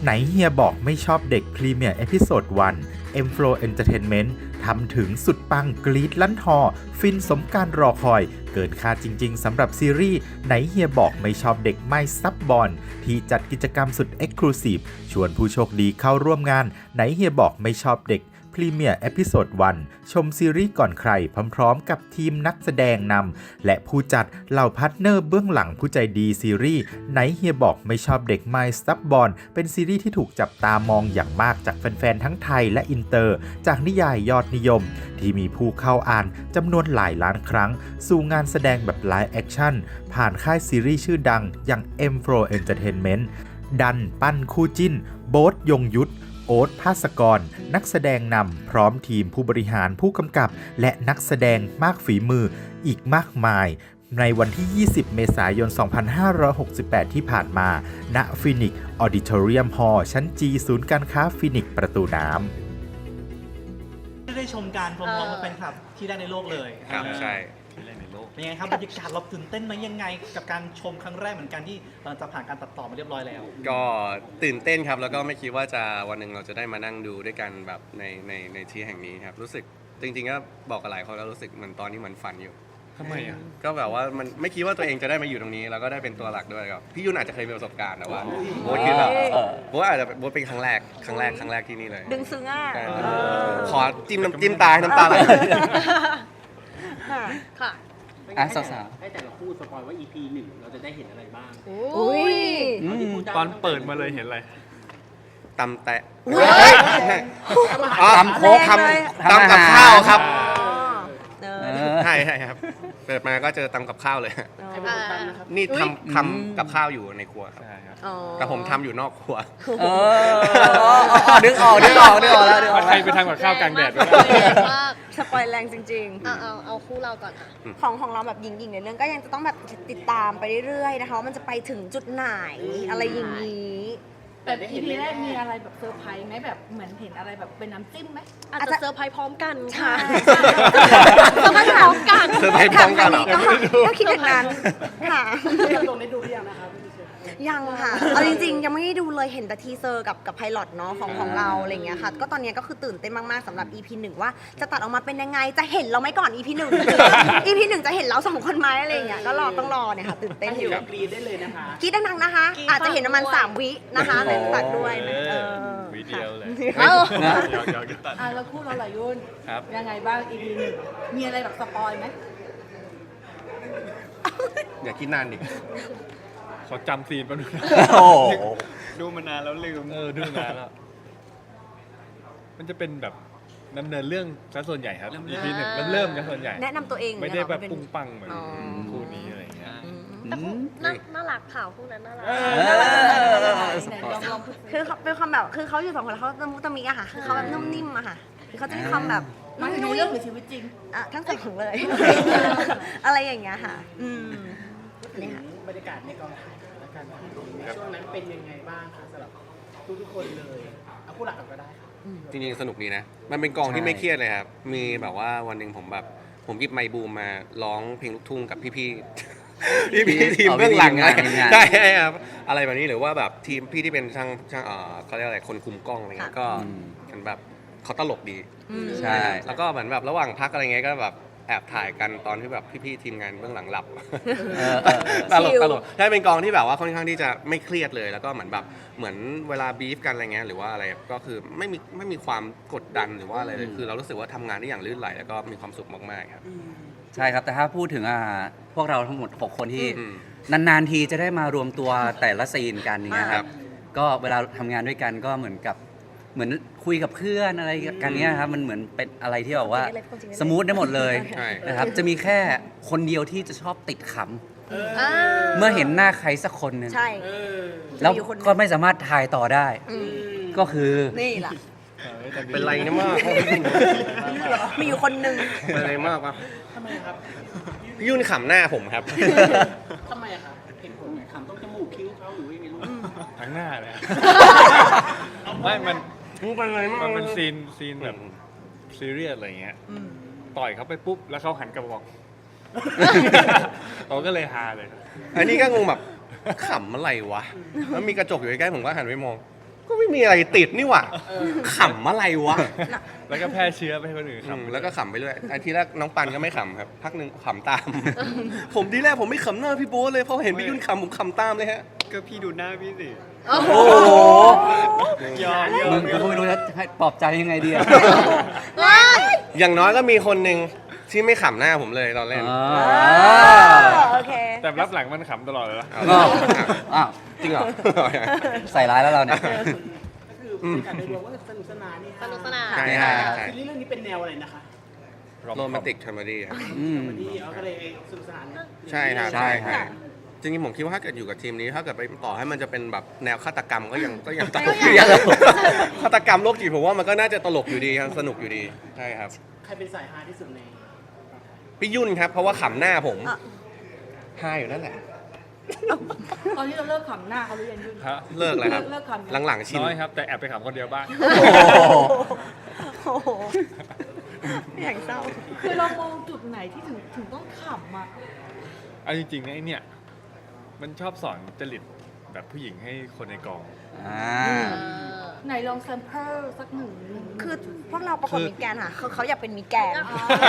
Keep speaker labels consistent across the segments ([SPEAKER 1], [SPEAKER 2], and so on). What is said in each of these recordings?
[SPEAKER 1] ไหนเฮียบอกไม่ชอบเด็กพรีเมียร์เอพิโซด1 M Flow Entertainment ทำถึงสุดปังกรี๊ดลั่นฮอฟินสมการรอคอยเกินคาดจริงๆสำหรับซีรีส์ไหนเฮียบอกไม่ชอบเด็กไม่ซับบอลที่จัดกิจกรรมสุด Exclusive ชวนผู้โชคดีเข้าร่วมงานไหนเฮียบอกไม่ชอบเด็กพรีเมียร์เอพิโซด1ชมซีรีส์ก่อนใครพร้อมๆกับทีมนักแสดงนำและผู้จัดเหล่าพาร์ทเนอร์เบื้องหลังผู้ใจดีซีรีส์ไหนเฮียบอกไม่ชอบเด็กไม่ซับบอลเป็นซีรีส์ที่ถูกจับตามองอย่างมากจากแฟนๆทั้งไทยและอินเตอร์จากนิยายยอดนิยมที่มีผู้เข้าอ่านจำนวนหลายล้านครั้งสู่งานแสดงแบบไลฟ์แอคชั่นผ่านค่ายซีรีส์ชื่อดังอย่าง M Flow Entertainment ดันปั้นคู่จิ้นโบ๊ทยงยุทธโอ๊ตภาสกรนักแสดงนำพร้อมทีมผู้บริหารผู้กำกับและนักแสดงมากฝีมืออีกมากมายในวันที่ 20 เมษายน 2568 ที่ผ่านมาณฟินิกซ์ออดิทอเรียมฮอลล์ชั้นจีศูนย์การค้าฟินิกซ์ประตูน้
[SPEAKER 2] ได้ชมการพร้อมๆกับแฟนคลับที่ได้ในโลกเลย
[SPEAKER 3] ครับใช่
[SPEAKER 2] เป็นยังไงครับบรรยากาศเราตื่นเต้นไหมยังไงกับการชมครั้งแรกเหมือนกันที่หลังจากผ่านการตัดต่อมาเรียบร้อยแล้ว
[SPEAKER 3] ก็ตื่นเต้นครับแล้วก็ไม่คิดว่าจะวันหนึ่งเราจะได้มานั่งดูด้วยกันแบบในที่แห่งนี้ครับรู้สึกจริงๆก็บอกกับหลายคนแล้วรู้สึกเหมือนตอนนี้เหมือนฝันอยู่
[SPEAKER 4] ทำไมอ่ะ
[SPEAKER 3] ก็แบบว่ามันไม่คิดว่าตัวเองจะได้มาอยู่ตรงนี้แล้วก็ได้เป็นตัวหลักด้วยครับพี่ยุ่นอาจจะเคยมีประสบการณ์แต่ว่าโบ๊ทคิดแบบโบ๊ทอาจจะโบ๊ทเป็นครั้งแรกที่นี่เลย
[SPEAKER 5] ดึงซึ้งอ่ะ
[SPEAKER 3] ขอจิ้มน้ำจิ้มตาให้น้ำตาไหล
[SPEAKER 5] ค่ะ
[SPEAKER 6] สาวๆให้แต่ละคู่สปอยว่า EP 1เราจะได้เห็นอะไรบ้าง
[SPEAKER 5] อุ้ย
[SPEAKER 4] ตอนเปิดมาเลยเห็นอะไร
[SPEAKER 3] ตำแตะ
[SPEAKER 6] ตำโคก
[SPEAKER 3] ทำกับข้าวครับใช่ครับเปิดมาก็เจอตำกับข้าวเลยนี่ทำกับข้าวอยู่ในครัวครับแต่ผมทำอยู่นอกครัว
[SPEAKER 6] ดึงออกแล้ว
[SPEAKER 4] ใครไปทำกับข้าวกลางแดด
[SPEAKER 5] สปอยแรงจริง
[SPEAKER 7] ๆเอาคู่เราก่อนค่ะ
[SPEAKER 5] ของเราแบบหญิงๆในเรื่องก็ยังจะต้องแบบติดตามไปเรื่อยๆนะคะว่ามันจะไปถึงจุดไหนอะไรอย่างนี้
[SPEAKER 8] แต่ EP แรกมีอะไรแบบเซอร์ไพรส์ไหมแบบเหมือนเห็นอะไรแบบเป็นน้ำจิ้มไหม
[SPEAKER 7] อาจจะเซอร์ไพรส์พร้อมกัน
[SPEAKER 5] ค่ะ
[SPEAKER 7] เซอร์ไพรส์พร้อมกัน
[SPEAKER 3] เซอร์ไพรส์พร้อมกันเหรอ
[SPEAKER 5] ก็คิดอย่างนั้นค่ะ
[SPEAKER 6] ลงได้ดูหรือยังนะครับ
[SPEAKER 5] ยังค่ะเอาจริงๆยังไม่ได้ดูเลยเห็นแต่ทีเซอร์กับไพลอตเนาะของเราอะไรเงี้ยค่ะก็ตอนนี้ก็คือตื่นเต้นมากๆสำหรับ EP 1ว่าจะตัดออกมาเป็นยังไงจะเห็นเราไหมก่อน EP 1 EP 1จะเห็นเรา2คนไหมอะไรเงี้ยก็ต้องรอเนี่ยค่ะตื่นเต้นอยู่
[SPEAKER 6] กรีดได้เลยนะคะ
[SPEAKER 5] กรีดดังๆนะคะอาจจะเห็นประมาณ3 วินะคะในตัดด้วย
[SPEAKER 4] วิดีโอเลย
[SPEAKER 8] แล้วคู่เราหลายยุ่นยังไงบ้าง EP 1มีอะไรแบบสปอยไหม
[SPEAKER 3] อย่าคิดนานดิ
[SPEAKER 4] ขอจำซีนแป๊บนึงดูมานานแล้วลืมดูนานแล้วมันจะเป็นแบบดำเนินเรื่องซะส่วนใหญ่ครับ EP 1เริ่มกันส่วนใหญ่
[SPEAKER 5] แนะนำตัวเอง
[SPEAKER 4] ไม่ได้แบบปุ้งปังเหมือนคู่นี้อะไรเงี้ย
[SPEAKER 7] แต่คู่น่ารักข่าวคู่นั้นน่ารัก
[SPEAKER 5] คือเป็นความแบบคือเขาอยู่2 คนแล้วเขาตะมุตะมิอะค่ะคือเขาแบบนุ่มนิ่มอะค่ะเขาจะมีความแบบ
[SPEAKER 8] มาในเรื่องหรือชีวิตจริง
[SPEAKER 5] ทั้ง2เลย อะไรอย่างเงี้ยค่ะ
[SPEAKER 6] นี่ค่ะบรรยากาศในกองถ่ายและการช่วงนั้นเป็นยังไงบ้างคะสำหรับทุกคนเลยเอาคู่หลักก็ได้
[SPEAKER 3] จริงๆสนุกดีนะมันเป็นกองที่ไม่เครียดเลยครับมีแบบว่าวันหนึ่งผมหยิบไมค์บูมมาร้องเพลงลูกทุ่งกับพี่ทีมเบื้องหลังได้ครับอะไรแบบนี้หรือว่าแบบทีมพี่ที่เป็นช่างเขาเรียกอะไรคนคุมกล้องอะไรเงี้ยก็มันแบบเขาตลกดีใช่แล้วก็เหมือนแบบระหว่างพักอะไรเงี้ยก็แบบแอบถ่ายกันตอนที่แบบพี่ๆทีมงานเบื้องหลังหลับตลกใช่เป็นกองที่แบบว่าค่อนข้างที่จะไม่เครียดเลยแล้วก็เหมือนเวลาบีฟกันอะไรเงี้ยหรือว่าอะไรก็คือไม่มีความกดดันหรือว่าอะไรเลยคือเรารู้สึกว่าทำงานได้อย่างลื่นไหลแล้วก็มีความสุขมากๆครับ
[SPEAKER 6] ใช่ครับแต่ถ้าพูดถึงพวกเราทั้งหมด6คนที่นานๆทีจะได้มารวมตัวแต่ละซีนกันอย่างเงี้ยครับก็เวลาทำงานด้วยกันก็เหมือนคุยกับเพื่อนอะไรกันเนี้ยครับมันเหมือนเป็นอะไรที่แบบว่าสมูทได้หมดเลยนะครับจะมีแค่คนเดียวที่จะชอบติดขำเมื่อเห็นหน้าใครสักคนนึงแล้วก็ไม่สามารถถ่ายต่อได้ก็คือ
[SPEAKER 5] นี่แหละ
[SPEAKER 3] เป็นไรนะมาก
[SPEAKER 5] มีอยู่คนนึง
[SPEAKER 3] เป็นไรมากวะ
[SPEAKER 6] ทำไมครับ
[SPEAKER 3] พี่ยุ่นขำหน้าผมครับ
[SPEAKER 6] ทำไมอะครับเห็นผลไหมขำต้องจมูกคิ้วเขาหรือยังไงลูก
[SPEAKER 4] ทั้งหน้าเลยไม่มันเป็นซีนแบบซีเรียสอะไรเงี้ยต่อยเขาไปปุ๊บแล้วเขาหันกลับมาบอกเราก็เลยฮาเลย
[SPEAKER 3] อันนี้ก็งงแบบขำอะไรวะแล้วมีกระจกอยู่ใกล้ๆผมก็หันไปมองก็ไม่มีอะไรติดนี่หว่าขำอะไรวะ
[SPEAKER 4] แล้วก็แพร่เชื้อไปให้คนอื่นครับ
[SPEAKER 3] แล้วก็ขำไปเรื่อยไอ้ทีแรกน้องปันก็ไม่ขำครับพักหนึ่งขำตาม ผมทีแรกผมไม่ขำหน้าพี่โบ๊ทเลยพอเห็นพี่ยุ่นขำผมขำตามเลยฮะ
[SPEAKER 4] ก็พี่ดูหน้าพี่สิ
[SPEAKER 6] โอ้โห
[SPEAKER 4] ยอม
[SPEAKER 6] มึงก็ไม่รู้จะให้ปลอบใจยังไงดีอะ
[SPEAKER 3] อย่างน้อยก็มีคนหนึ่งที่ไม่ขำหน้าผมเลยตอนเล่น
[SPEAKER 5] โอเค
[SPEAKER 4] แต่รับหลังมันขำตลอดเลยนะ
[SPEAKER 3] เอา
[SPEAKER 6] อ้าว
[SPEAKER 3] จริงเหรอ
[SPEAKER 6] ใส่ร้ายแล้วเราเนี่ย
[SPEAKER 9] ก็คือการโดยรวมก็สนุกสนานนี่
[SPEAKER 7] สนุกสนาน
[SPEAKER 3] ใช่ใช่ใช่
[SPEAKER 9] ซีรีส์เรื่องนี้เป็นแนวอะไรนะคะ
[SPEAKER 3] โรแมนติกคอมเมดี้ครับ
[SPEAKER 6] อืม
[SPEAKER 9] วันนี้เอาก็เลยสนุกสนานนะ
[SPEAKER 3] ใช่ครับ
[SPEAKER 6] ใช่ครับ
[SPEAKER 3] จริงๆผมคิดว่าถ้าเกิดอยู่กับทีมนี้ถ้าเกิดไปต่อให้มันจะเป็นแบบแนวฆาตกรรมก็ยังตลกอยู่ดีฆาตกรรมโรคจิตผมว่ามันก็น่าจะตลกอยู่ดีครับสนุกอยู่ดีใช่ครับ
[SPEAKER 9] ใครเป็นสายฮาที่สุดใน
[SPEAKER 3] พี่ยุ่นครับเพราะว่าขำหน้าผม
[SPEAKER 5] อ่ะ
[SPEAKER 3] ฮาอยู่นั่นแหละ
[SPEAKER 8] ตอนนี้เราเลิกขำหน้าเขาหรือยังยุ่น
[SPEAKER 4] ฮะ
[SPEAKER 3] เลิกเลยครับ
[SPEAKER 8] เลิกขำ
[SPEAKER 3] หลังๆชิน
[SPEAKER 4] น้อยครับ แต่แอบไปขำคนเดียวบ้าง
[SPEAKER 5] โอ้โหอย่างเศร้า
[SPEAKER 8] คือเรามองจุดไหนที่ถึงต้องขำอ่ะ
[SPEAKER 4] เอาจริงๆนะไอเนี่ย มันชอบสอนจริตแบบผู้หญิงให้คนในกอง
[SPEAKER 6] อ่า
[SPEAKER 8] ไหนลองแซมเปิลสักหนึ่ง
[SPEAKER 5] คือพวกเราประกวดมิสแกรนด์ค่ะคือเขาอยากเป็นมิสแกรนด์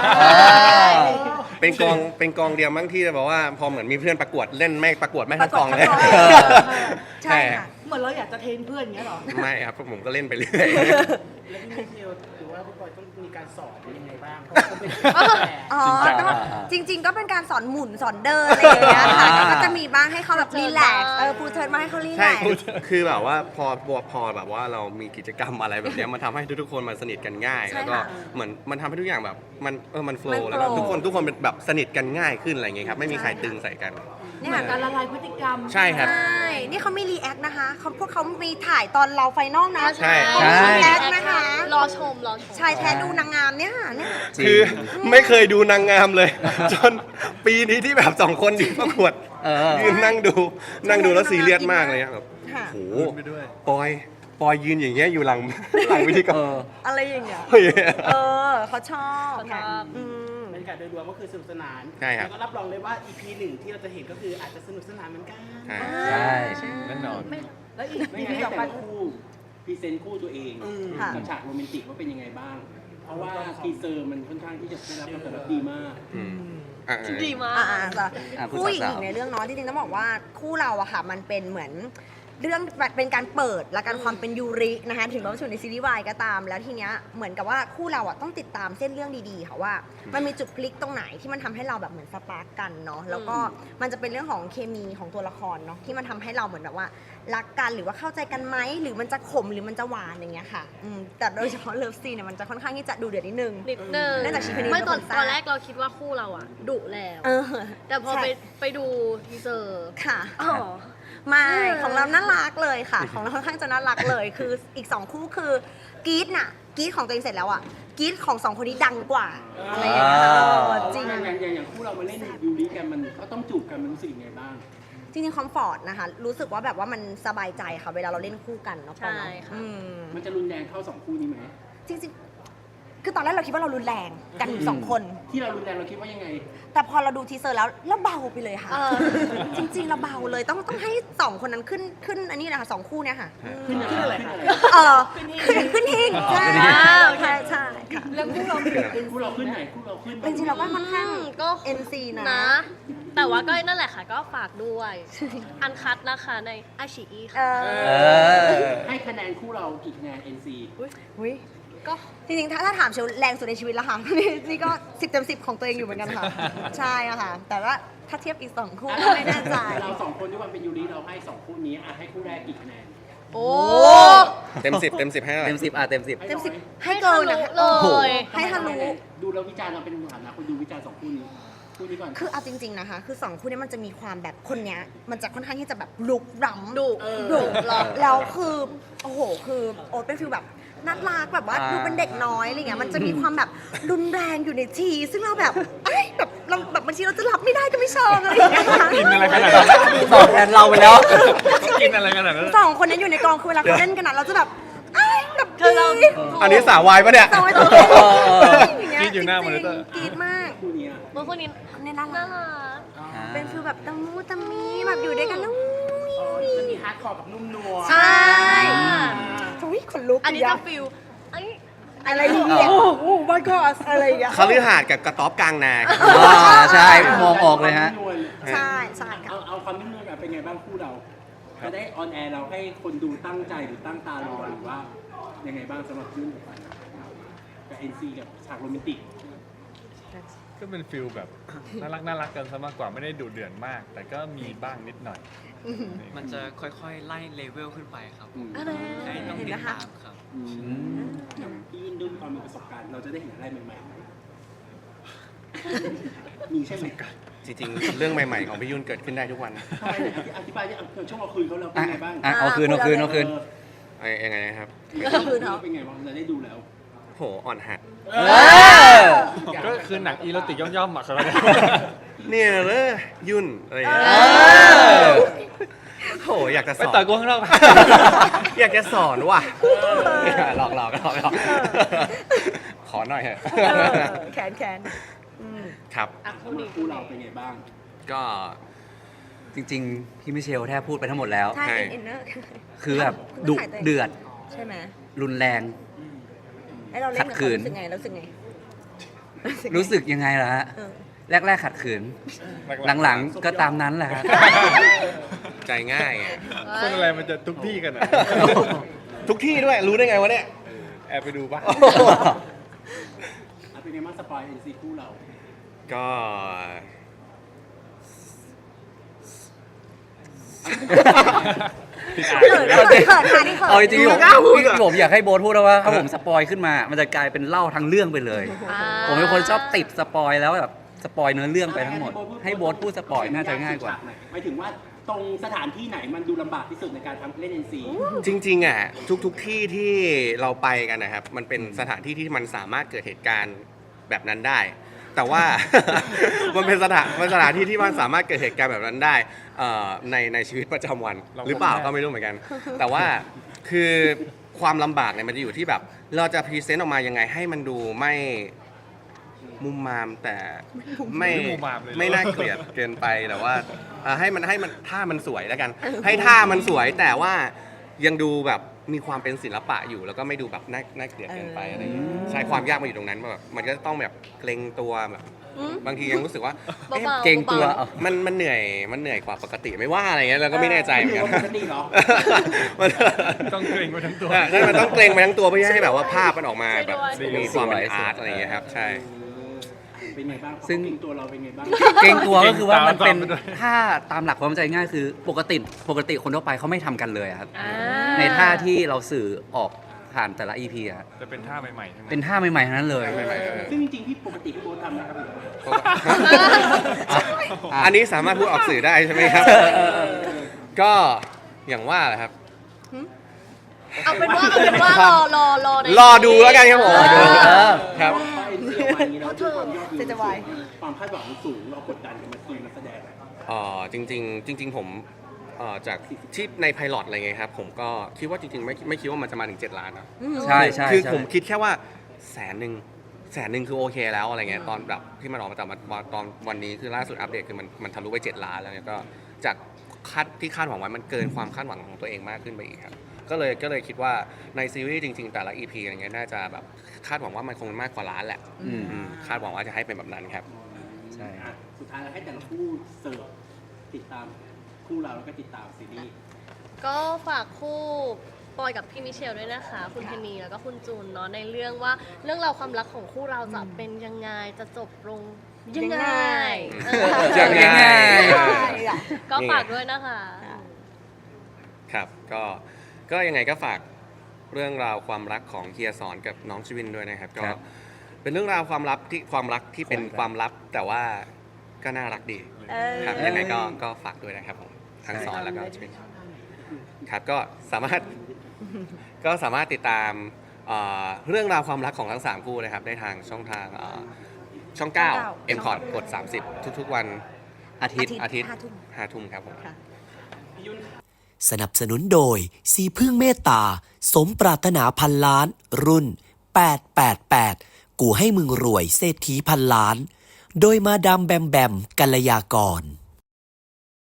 [SPEAKER 3] เป็นกองเดียวมั้งที่จะบอกว่าพอเหมือนมีเพื่อนประกวดเล่นไม่ประกวดไม่ทั้งกองเลย
[SPEAKER 5] ประกวดทั้งกอง ใช่ค่ะ
[SPEAKER 8] เหมือนเราอยากจะเทรนเพื่อนอย่างเงี้ยเหรอ
[SPEAKER 3] ไม่ครับผมก็เล่นไปเรื่อย
[SPEAKER 9] แล้วพี่เทียวหรือว่าพี่บอยต้องมีการสอนยังไงบ้างเพราะว่าเขาเป็นแฟน
[SPEAKER 5] อ๋อ
[SPEAKER 6] จริงจัง
[SPEAKER 5] ก็จริง ๆ ก็เป็นการสอนหมุนสอนเดินอะไรอย่างเงี้ยค่ะก็จะมีบ้างให้เขาแบบรีแลกซ์พูเทิร์นมาให้เขารี
[SPEAKER 3] ๆ
[SPEAKER 5] แล
[SPEAKER 3] ใช่
[SPEAKER 5] กซ์
[SPEAKER 3] คือแบบว่าพอแบบว่าเรามีกิจกรรมอะไรแบบเนี้ยมันทำให้ทุกๆคนมันสนิทกันง่าย
[SPEAKER 5] ใช่
[SPEAKER 3] แล้วก็
[SPEAKER 5] ค่ะ
[SPEAKER 3] เหมือนมันทำให้ทุกอย่างแบบมันโฟ
[SPEAKER 5] มัน
[SPEAKER 3] ล์
[SPEAKER 5] flow
[SPEAKER 3] แล้วก็ทุกคนเป็นแบบสนิทกันง่ายขึ้นอะไรอย่างเงี้ยครับไม่มีใครตึงใส่กัน
[SPEAKER 5] เนี่
[SPEAKER 8] เหมื
[SPEAKER 5] ย
[SPEAKER 8] อนการละลายพฤติกรรม
[SPEAKER 3] ใช่ครับ
[SPEAKER 5] ใช่ นี่เขามีรีแอคนะคะพวกเขามีถ่ายตอนเราไฟนอลนะ
[SPEAKER 3] ใช่
[SPEAKER 5] เขามีรีแอคนะคะ
[SPEAKER 7] รอชม
[SPEAKER 5] ชายแท้ดูนางงามเนี่ยเนี่ย
[SPEAKER 3] คือไม่เคยดูนางงามเลย จนปีนี้ที่แบบสองคนดีประกวด ยืนนั่งดูแล้วซีเรียสมากเลยครับแบบ
[SPEAKER 5] ค่ะ
[SPEAKER 3] โอ้โห
[SPEAKER 4] ไปด้วย
[SPEAKER 3] ปอยยืนอย่างเงี้ยอยู่หลังวิธีกร
[SPEAKER 5] อะไรอย่างเงี้ย
[SPEAKER 3] เฮ้ย
[SPEAKER 5] เขาชอบ
[SPEAKER 7] เขาชอบ
[SPEAKER 5] อืม
[SPEAKER 9] บรรยากาศโดยรวมก็คือสนุกสนาน
[SPEAKER 3] ใช่ครับ
[SPEAKER 9] แล้วก็รับรองเลยว่า EP 1 ที่เราจะเห็นก็คืออาจจะสนุกสนานเหมือนกัน
[SPEAKER 3] ใช่
[SPEAKER 6] ใช่
[SPEAKER 4] แน่นอน
[SPEAKER 8] แล้วอีก
[SPEAKER 10] ไม่
[SPEAKER 8] อี
[SPEAKER 10] งั้น
[SPEAKER 8] พี
[SPEAKER 10] ให้
[SPEAKER 8] ต่อ
[SPEAKER 10] แต่
[SPEAKER 8] ไป
[SPEAKER 10] ละคู่พรีเซนต์คู่ตัวเอง
[SPEAKER 5] ค่ะ
[SPEAKER 10] กับฉากโรแมนติกว่าเป็นยังไงบ้าง เพราะว่าทีเซอร์มันค่อนข้างที่จะได้รับการตอบรับดีมาก
[SPEAKER 3] อืมอ่ะ
[SPEAKER 7] ดีมาก
[SPEAKER 5] จ้ะ
[SPEAKER 6] คุณ
[SPEAKER 5] คู่หญิง
[SPEAKER 6] สาวๆ
[SPEAKER 5] ในเรื่องเนาะจริงๆต้องบอกว่าคู่เราอะค่ะมันเป็นเหมือนเรื่องเป็นการเปิดและการความเป็นยูรินะคะถึงเราจะอยู่ในซีรีส์วายก็ตาม แล้วทีเนี้ยเหมือนกับว่าคู่เราอะต้องติดตามเส้นเรื่องดีๆค่ะว่า มันมีจุดพลิกตรงไหนที่มันทำให้เราแบบเหมือนสปาร์กกันเนาะแล้วก็มันจะเป็นเรื่องของเคมีของตัวละครเนาะที่มันทำให้เราเหมือนแบบว่ารักกันหรือว่าเข้าใจกันไหมหรือมันจะขมหรือมันจะหวานอย่างเงี้ยค่ะแต่โดยเฉพาะเลิฟซีนเนี่ยมันจะค่อนข้างที่จะดูเดือดนิดนึง
[SPEAKER 7] นิดนึง
[SPEAKER 5] เนื่องจากชีพนี้
[SPEAKER 7] ไม่ตอน
[SPEAKER 5] เป็นคนสร้าง
[SPEAKER 7] ตอนแรกเราคิดว่าคู่เราอ่ะดุแล้ว
[SPEAKER 5] เออ
[SPEAKER 7] แต่พอ
[SPEAKER 5] ใช่
[SPEAKER 7] ไปดูทีเซอร์
[SPEAKER 5] ค่ะ
[SPEAKER 7] อ๋อ
[SPEAKER 5] ไม่ของเราน่ารักเลยค่ะ ของเราค่อนข้างจะน่ารักเลย คืออีก2คู่คือกรี๊ดน่ะกรี๊ดของตัวเองเสร็จแล้วอ่ะกรี๊ดของ2คนนี้ดังกว่าอะไรอย่างเงี้ยจริง
[SPEAKER 10] อย่างคู่เรามาเล่นยูริกันมันก็ต้องจูบกันมันรู้สึกยังไงบ้าง
[SPEAKER 5] จริงๆคอมฟอร์ตนะคะรู้สึกว่าแบบว่ามันสบายใจค่ะเวลาเราเล่นคู่กันเนาะปอ
[SPEAKER 7] ใช่
[SPEAKER 5] เนาะ
[SPEAKER 7] ค่ะ
[SPEAKER 10] มันจะรุนแรงเท่าสองคู่นี้ไหม
[SPEAKER 5] จริงๆคือตอนแรกเราคิดว่าเรารุนแรงกันสองคน
[SPEAKER 10] ที่เรารุนแรงเราคิดว่ายังไง
[SPEAKER 5] แต่พอเราดูทีเซอร์แล้วเราเบาไปเลยค่ะ
[SPEAKER 7] เออ
[SPEAKER 5] จริงๆเราเบาเลยต้องให้2คนนั้นขึ้นอันนี้นะคะ2คู่เนี่ยค่ะ
[SPEAKER 10] ขึ้นอะไรคะ
[SPEAKER 5] ขึ้นหิ้งใช่
[SPEAKER 7] โอเค
[SPEAKER 5] ใช่ค่ะ
[SPEAKER 8] แล้วคู่เราเปลี่ยนเป็น
[SPEAKER 10] คู่เราขึ้นไหนคู่เราขึ้น
[SPEAKER 5] จริงๆเราก็ค่อนข้าง
[SPEAKER 7] ก็
[SPEAKER 5] NC นะ
[SPEAKER 7] แต่ว่าก็นั่นแหละค่ะ ก็ฝากด้วย อันคัดนะคะในอาชีอี
[SPEAKER 5] เอ
[SPEAKER 7] ค่ะ
[SPEAKER 10] ให้คะแนนคู่เรากี่คะแนน NC
[SPEAKER 5] อุ้ย
[SPEAKER 7] ก็
[SPEAKER 5] จริงๆถ้าถามเชลแรงสุดในชีวิตแล้วค่ะ นี่ก็10 เต็ม 10ของตัวเองอยู่เหมือนกันค่ะ ใช่อะค่ะ แต่ว่าถ้าเทียบอีก2คู่ก็ไม่แน่ใจ
[SPEAKER 10] เราสองคนด้วยความเป็นยูริเราให้สองคู่นี้ให้คู่แรกกี่คะแนน
[SPEAKER 7] โอ้
[SPEAKER 3] เต็ม 10ให้อะไร
[SPEAKER 6] เต็ม 10เต็ม 10
[SPEAKER 5] เต็ม
[SPEAKER 10] ให้
[SPEAKER 5] 10 ให้เกินนะคะ
[SPEAKER 7] เลย
[SPEAKER 5] ให้ทะลุ
[SPEAKER 10] ดูแล้ววิจารณ์เราเป็นฐานะคนดูวิจารณ์สองคู่นี้คู่นี้ก่อน
[SPEAKER 5] คือเอาจริงๆนะคะ คือ2คู่นี้มันจะมีความแบบคนเนี้ยมันจะค่อนข้างที่จะแบบลุกล้ำดุ
[SPEAKER 7] หรอ
[SPEAKER 5] แล้วคือโอ้โหคือโอ๊ตเป็นฟิลแบบน่ารักแบบว่าดูเป็นเด็กน้อยอะไรเงี้ยมันจะมีความแบบรุนแรงอยู่ในทีซึ่งเราแบบเอ้ยแบบเราแบบบางทีเราจะรับไม่ได้ก็ไม่ชอบอะไรอย่างเงี้ยค่ะ
[SPEAKER 4] กินอะไรขนาดนั้น
[SPEAKER 6] ตอบแทนเราไปแล้ว
[SPEAKER 4] กินอะไรขนาดนั้น
[SPEAKER 5] สองคนนี้อยู่ในกองคือเวลาเขาเล่นกันนะเราจะแบบเอ้ยแบบกรี๊ด
[SPEAKER 3] อันนี้สาววายปะเนี่ย
[SPEAKER 5] สาวตัวเล็กอย่างเงี้ย
[SPEAKER 4] กรี๊ดอยู่หน้ามอนิเตอร์
[SPEAKER 5] กรี๊ดมาก
[SPEAKER 10] คู่นี้
[SPEAKER 7] เมื่อคนนี้
[SPEAKER 5] เนี่ยน่า
[SPEAKER 7] น่า
[SPEAKER 5] รัก
[SPEAKER 7] รัก
[SPEAKER 5] เป็นฟิลแบบตะมูตะมีแบบอยู่ด้วยกันแล้ว
[SPEAKER 9] จะมีฮาร์ดคอร์กับนุ่มนวล
[SPEAKER 5] ใช่อุ้ยขนลุก
[SPEAKER 7] อันนี้จะฟิลเอ้ย
[SPEAKER 5] อะไรอย่างเงี้ยโอ้โห my god อะไรอย่างเงี้ย
[SPEAKER 3] คฤหาสน์กับกระต๊อบกลางนาครับ
[SPEAKER 6] ใช่มองออกเลยฮะ
[SPEAKER 5] ใช่ใช่ค่ะ
[SPEAKER 10] เอาความนิ่มนวลกันเป็นไงบ้างคู่เราจะได้ออนแอร์เราให้คนดูตั้งใจหรือตั้งตารอหรือว่ายังไงบ้างสำหรับยุ่นกับ NC กับฉากโรแมนติก
[SPEAKER 4] ก็เป็นฟิลแบบน่ารักกันซะมากกว่าไม่ได้ดุเดือดมาก แต่ก็มีบ้างนิดหน่อย
[SPEAKER 11] มันจะค่อยๆ ไล่เลเวลขึ้นไปครับ
[SPEAKER 5] อะไร
[SPEAKER 11] ให้ต้องติดตามครับ
[SPEAKER 10] อย่างพี่ยุ่นด้วยความมีประสบการณ์เราจะได้เห็นอะไรใหม่ๆไหมมีใช่ไหม
[SPEAKER 3] จริงๆ เรื่องใหม่ๆของพี่ยุ่นเกิดขึ้นได้ทุกวัน
[SPEAKER 10] ทำไมอธิบายที่ช่วงเราคุยเขาเราเป็นไงบ้าง
[SPEAKER 6] เอาคืน
[SPEAKER 3] ยังไงนะครับ
[SPEAKER 10] เป็นไงบ้างเราได้ดูแล้ว
[SPEAKER 3] โหอ่อนหัด
[SPEAKER 4] ก็คือหนังอีโรติกย่อมๆอ่ะครับ
[SPEAKER 3] เนี่ยเลยยุ่นอะไรอย่างเงี้ยโหอยากจะส
[SPEAKER 4] ไป
[SPEAKER 3] อน
[SPEAKER 4] ต่อยกูข้างนอกไป
[SPEAKER 3] อยากจะสอนว่ะหลอกขอหน่อยเถอะ
[SPEAKER 5] แขน
[SPEAKER 3] ครับ
[SPEAKER 10] คู่เราเป็นไงบ้าง
[SPEAKER 3] ก็
[SPEAKER 6] จริงๆ พี่มิเชลแทบพูดไปทั้งหมดแล้ว
[SPEAKER 5] ใช่อินเนอร์
[SPEAKER 6] คือแบบดุเดือด
[SPEAKER 5] ใช่ไหม
[SPEAKER 6] รุนแรง
[SPEAKER 5] ให้เราเล่นกับ
[SPEAKER 6] ขัดขื
[SPEAKER 5] เขา
[SPEAKER 6] น
[SPEAKER 5] รู้สึกไง
[SPEAKER 6] รู้สึกยังไงล่ะฮะ
[SPEAKER 5] เออ
[SPEAKER 6] แรกๆขัดขืน หลังๆก็ตามนั้นแหละฮะ
[SPEAKER 3] ใจง่ายอะ
[SPEAKER 4] คนอะไรมันจะทุกที่กันอ่ะ
[SPEAKER 3] ทุกที่ด้วยรู้ได้ไงวะเนี่ย
[SPEAKER 4] แอบไปดูป่ะ
[SPEAKER 10] เป็นไงบ้างสปอย NC คู่เรา
[SPEAKER 3] ก็
[SPEAKER 6] เอาจริงๆผมอยากให้โบ๊ทพูดแล้วว่าถ้าผมสปอยขึ้นมา มันจะกลายเป็นเล่าทั้งเรื่องไปเลย ผมเป็นคนชอบติดสปอยแล้วแบบสปอยเนื้อเรื่องไปทั้งหมด ให้โบ๊ทพูดสปอยน่าจะง่ายกว่า
[SPEAKER 10] หมายถึงว่าตรงสถานที่ไหนมันดูลำบากที่สุดในการทำเล่น NC
[SPEAKER 3] จริงๆอ่ะทุกที่ที่เราไปกันนะครับ มันเป็นสถานที่ที่มันสามารถเกิดเหตุการณ์แบบนั้นได้ แต่ว่า มันเป็นสถานที่ที่มันสามารถเกิดเหตุการณ์แบบนั้นได้ในชีวิตประจำวัน หรือเปล่าก็ไม่รู้เหมือนกัน แต่ว่าคือความลำบากเนี่ยมันจะอยู่ที่แบบ เราจะพรีเซนต์ออกมายังไงให้มันดูไม่มุมมามแต่ไม่น่าเกลียดเกินไปแต่ว่าให้มันท่ามันสวยแล้วกัน ให้ท่ามันสวยแต่ว่ายังดูแบบมีความเป็นศิลปะอยู่แล้วก็ไม่ดูแบบน่าเกลียดเกินไปอะไรอย่างเงี้ยใช่ความยากมันอยู่ตรงนั้นแบบมันก็ต้องแบบเกรงตัวแบบบางทียังรู้สึกว่าเอ๊ะ
[SPEAKER 6] เกรงตัว
[SPEAKER 3] มันเหนื่อยกว่าปกติไม่ว่าอะไรเงี้ยเราก็ไม่แน่ใจเหมือนกัน
[SPEAKER 10] ปกติเหรอ
[SPEAKER 4] ต้องเกรงไปทั้งตัว
[SPEAKER 3] ใช่มันต้องเกรงไปทั้งตัวเพื่อให้แบบว่าภาพมันออกมาแบบ
[SPEAKER 6] สวย
[SPEAKER 3] มีความเป็น
[SPEAKER 6] สวย
[SPEAKER 3] อาร์ตอะไรอย่างเงี้ยครับใช่
[SPEAKER 10] เป็นไงบ้าง
[SPEAKER 6] ซึ่ง
[SPEAKER 10] เก่งตัวเราเป็นไงบ้าง
[SPEAKER 6] เกรงตัวก็คือว่ามันเป็น
[SPEAKER 4] ตามไปด้วย
[SPEAKER 6] ท่าตามหลักความเข้าใจง่ายคือปกติคนทั่วไปเขาไม่ทำกันเลยอะครับ
[SPEAKER 7] อ่า
[SPEAKER 6] ในท่าที่เราสื่อออกผ่านแต่ละ EP อะครับ
[SPEAKER 4] จะเป็นท่าใหม่ๆทั้งนั้น
[SPEAKER 6] เป็นท่าใหม่ๆทั้งนั้นเลย
[SPEAKER 10] ซึ่งจริงๆพี่ปกติพี่โบ๊ททำนะครับผม
[SPEAKER 3] อันนี้สามารถพูดออกสื่อได้ใช่ไหมครับ ก็อย่างว่าแหละครับ
[SPEAKER 7] เอาเป็นว่ารอใน
[SPEAKER 3] รอดูแล้วกันครับผม
[SPEAKER 6] รอดู
[SPEAKER 3] ครับ
[SPEAKER 10] พอ NC ออกมาอย่างนี้แล้วด้วยความยอดวิว
[SPEAKER 5] เจจะวาย
[SPEAKER 10] ความคาดหวังมันสูงเรากดดันกับมาทีมนักแสดง
[SPEAKER 3] จริงผมจากที่ในไพลอตอะไรเงี้ยครับผมก็คิดว่าจริงๆไม่คิดว่ามันจะมาถึง7 ล้านนะ
[SPEAKER 6] ใช่
[SPEAKER 3] คือ
[SPEAKER 6] ใช่
[SPEAKER 3] ผมคิดแค่ว่าแสนหนึ่งคือโอเคแล้วอะไรเงี้ยตอนแบบที่มันออกมาแต่ตอนวันนี้คือล่าสุดอัปเดตคือมันทะลุไป7 ล้านแล้วเนี่ยก็จากที่คาดหวังไว้มันเกินความคาดหวังของตัวเองมากขึ้นไปอีกครับก็เลยคิดว่าในซีรีส์จริงๆแต่ละ EP อะไรเงี้ยน่าจะแบบคาดหวังว่ามันคงมากกว่าล้านแหละ
[SPEAKER 6] อืม
[SPEAKER 3] คาดหวังว่าจะให้เป็นแบบนั้นครับ
[SPEAKER 6] ใช่
[SPEAKER 10] สุดท้ายแล้วให้แต่ละคู่เสิร์ฟติดตามคู่เราแล้วก็ติดตามซีรีส์
[SPEAKER 7] ก็ฝากคู่ปอยกับพี่มิเชลด้วยนะคะ คุณเพนนีแล้วก็คุณจูนเนาะในเรื่องว่าเรื่องราวความรักของคู่เราจะเป็นยังไงจะจบลงยังไงเออ
[SPEAKER 3] ยังไง
[SPEAKER 7] ก็ฝากด้วยนะคะ
[SPEAKER 3] ครับก็ยังไงก็ฝากเรื่องราวความรักของเฮียสอนกับน้องชวินด้วยนะครับก็
[SPEAKER 6] ครับ
[SPEAKER 3] เป็นเรื่องราวความรักที่เป็นความลับแต่ว่าก็น่ารักดีครับยังไงก็ฝากด้วยนะครับผมทั้งสอนแล้วก็ชวินครับก็สามารถติดตามเรื่องราวความรักของทั้ง3คู่นะครับได้ทางช่องทางช่อง 9 m c o t กด 30 ทุกๆวัน
[SPEAKER 6] อาทิตย์
[SPEAKER 3] 5 ทุ่มครับผม
[SPEAKER 12] สนับสนุนโดยสีพึ่งเมตตา สมปรารถนาพันล้าน รุ่น 888 กูให้มึงรวยเศรษฐีพันล้าน โดยมาดามแบมแบมกัลยากร